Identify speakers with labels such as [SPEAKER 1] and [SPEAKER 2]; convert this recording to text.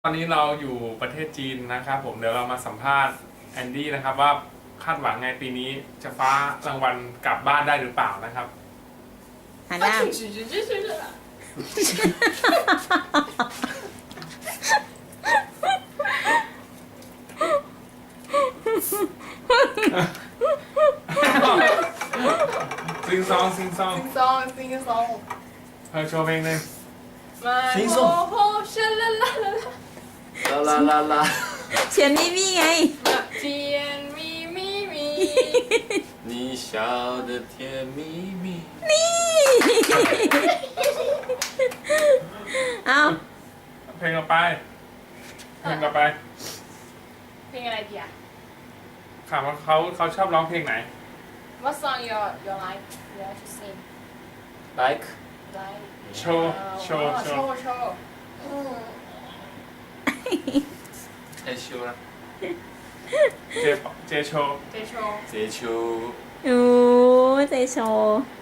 [SPEAKER 1] ตอนนี้เราอยู่ประเทศจีนนะครับผมเดี๋ยวเรามาสัมภาษณ์แอนดี้นะครับว่าคาดหวังไงปีนี้จะฟ้ารางวัลกลับบ้านได้หรือเปล่านะครับ
[SPEAKER 2] หันหน้า
[SPEAKER 1] ซิงซองซิงซองโชว์เพลงหนึ่ง
[SPEAKER 3] 啦，
[SPEAKER 2] เฉียน咪咪ไง
[SPEAKER 3] 你笑得甜蜜蜜。
[SPEAKER 2] เอา
[SPEAKER 1] เพลงต่อไปเพลงอะไรดีอ่ะถามว่าเขาชอบร้องเพลงไหน
[SPEAKER 4] What song you like to sing?
[SPEAKER 3] Like
[SPEAKER 4] Like
[SPEAKER 1] โชว์โชว์โชว์
[SPEAKER 4] show
[SPEAKER 3] 害羞了，
[SPEAKER 1] เจโชว์
[SPEAKER 4] J show
[SPEAKER 3] 接球。
[SPEAKER 2] โอ้เจโชว์